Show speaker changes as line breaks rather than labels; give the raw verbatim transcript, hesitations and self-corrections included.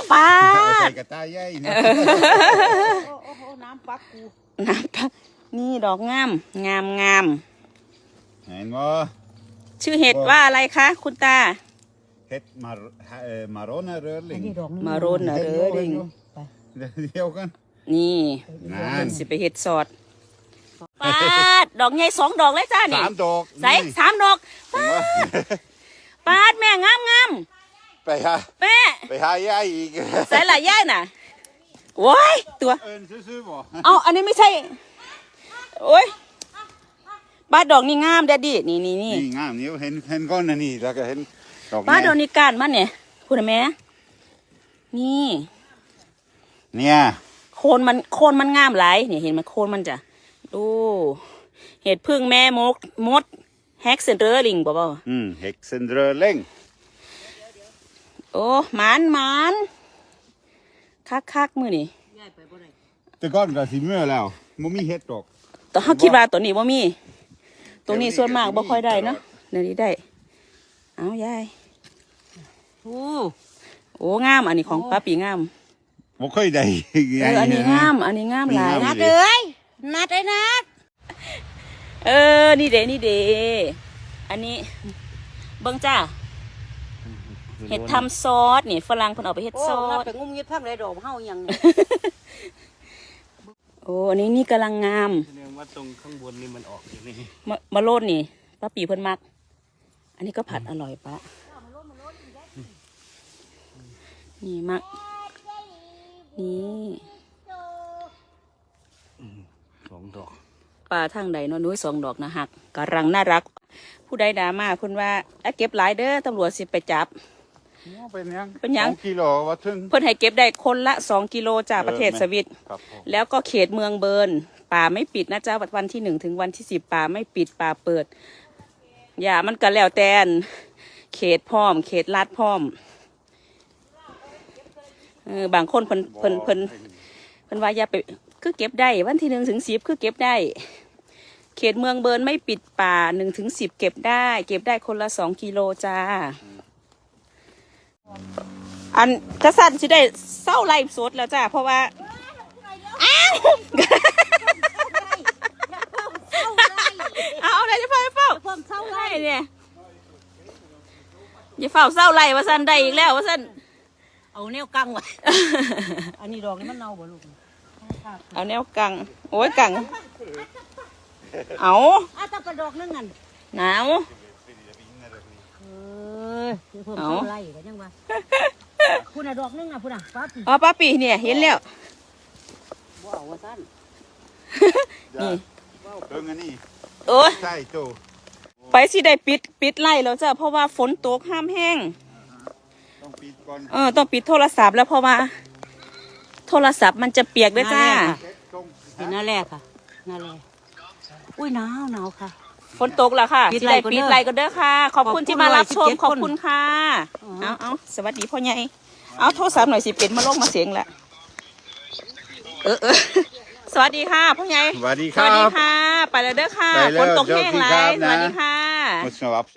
ป้า
ใส่กระต่ายใหญ่นะ
โอ้โหน้ำปักกู
น้ำปักนี่ดอกงามงามงาม
เห็นบ่
ชื่อเห็ดว่าอะไรคะคุณตา
เห็ดมาเอ่อมาโรนเรอร์ลิง
มาโรนเรอร์ลิง
เดียวกัน
นี่มันสิไปเห็ดสอดปาดดอกใหญ่สองดอกเลยจ้านี่
สามดอก
ใส่สามดอกปาดปาดแม่งามงาม
ไปหา
แม่
ไปหาย่าอีก
ใส่หลายย่ายน่ะโว้ยตัว
เอิญซื้อๆบ่
เอาอันนี้ไม่ใช่โอ้ยปาดดอกนี่งามแดดดี้นี่นี่นี่
นี่งามนี่เห็นเห็นก้อนนะนี่แล้วก็เห็นดอก
ปาดดอกนี่ก้านมันเนี่ยคุณแม่นี่
เนี่ย
โคนมันโคนมันงามหลายเนี่ยเห็นมันโคนมันจ้ะดูเห็ดพึ่งแม่มดมดแฮกเซนเดอร์ลิงบ่บ่
อืมเฮกเซนเดอร์ลิง
โอ้หมานหมานคักคักมือนี่
แต่ก้อนก็สิเมื่อแล้วมันมีเห็ดดอก
แต่เขาคิดว่าตัวนี้ว่ามีตัวนี้ส่วนมากบ่ค่อยได้เนาะเดี๋ยวนี้ได้เอายายโอ้โอ้งามอันนี้ของป้าปีงาม
บ่ค่อยได้
เอออันนี้งามอันนี้งามหลาย
นัดเลยนัดเลยนัด
เออนี่เด้นี่เด้อันนี้เบิ่งจ้าเห็ดทำซอสนี่ฝรั่งเพิ่นเอาไปเฮ็ดซอส
ไปงุ้มยึดพังไรดอกเฮายัง
โอ้อันนี้นี่กำลังงาม
แสดงว่าตรงข้างบนนี่มันออกอยู่นี่
มะมะโรดนี่ป้าปีเพิ่นมักอันนี้ก็ผัดอร่อยปะนี่มักนี่
สองดอก
ปลาทางใดเนาะนุ้ยสองดอกนะหักกำลังน่ารักผู้ใดด่ามาเพิ่นว่าเก็บหลายเด้อตำรวจสิไปจับ
เป็นยัง
เป็นยัง
สองกิโลว่าถึง
เพิ่นให้เก็บได้คนละสองกิโลจากประเทศสวิตแล้วก็เขตเมืองเบิร์นป่าไม่ปิดนะจ๊ะวันที่หนึ่งถึงวันที่สิบป่าไม่ปิดป่าเปิดอย่ามันก็แล้วแต่เขตพร้อมเขตลาดพร้อมเออบางคนเพิ่นเพิ่นเพิ่นเพิ่นว่าอย่าไปคือเก็บได้วันที่หนึ่งถึงสิบคือเก็บได้เขตเมืองเบิร์นไม่ปิดป่าหนึ่งถึงสิบเก็บได้เก็บได้คนละสองกิโลจ้าอันกระสันสิได้เศร้าไล่สดแล้วจ้าเพราะว่าอ้าวเอาอะไรจะเฝ้าเฝ้า
เศร้าไล่
เนี่ยอย่าเฝ้าเศร้าไล่ว่าสันได้อีกแล้วว่าสัน
เอาแนวกังไว้อันนี้ดอกนี่มันเน่าบ่ลูก
เอาแนวกังโอ้ยกังเอา
อ่ะตะกระดอกนึงนั่น
หนาว
เออเพิ่มเศร้าไล่กันยังวะคุณน่ะดอกนึงน่ะคุณน่ะป้าปี
อ๋อป้าปีเนี่ยเห็นแล้ว
ว้าวว่าสั้น
นี่
เบิ่งอันนี้
โอ้ย
ใช่โต
ไปสิได้ปิดปิดไล่แล้วจ้ะเพราะว่าฝนตกห้ามแห้ง
ต้องปิดก่อน
เออต้องปิดโทรศัพท์แล้วเพราะว่าโทรศัพท์มันจะเปียกด้วยจ้า
เห็นหน้าแรกค่ะหน้าแรกอุ้ยหนาวหนาวค่ะ
ฝนตกแล้วค่ะปิดไล่ปิดไล่ก็เด้อค่ะขอบคุณที่มารับชมขอบคุณค่ะเอาเอาสวัสดีพ่อใหญ่เอาโทรศัพท์หน่อยสิเป็นมาลงมาเสียงละเออเออสวัสดีค่ะพ่อใหญ่
สวัสดีค
ส
รับ
วัสดีค่ะไปแล้วเด้อค่ะฝนตกแห้งไรสวัสดีค่ะ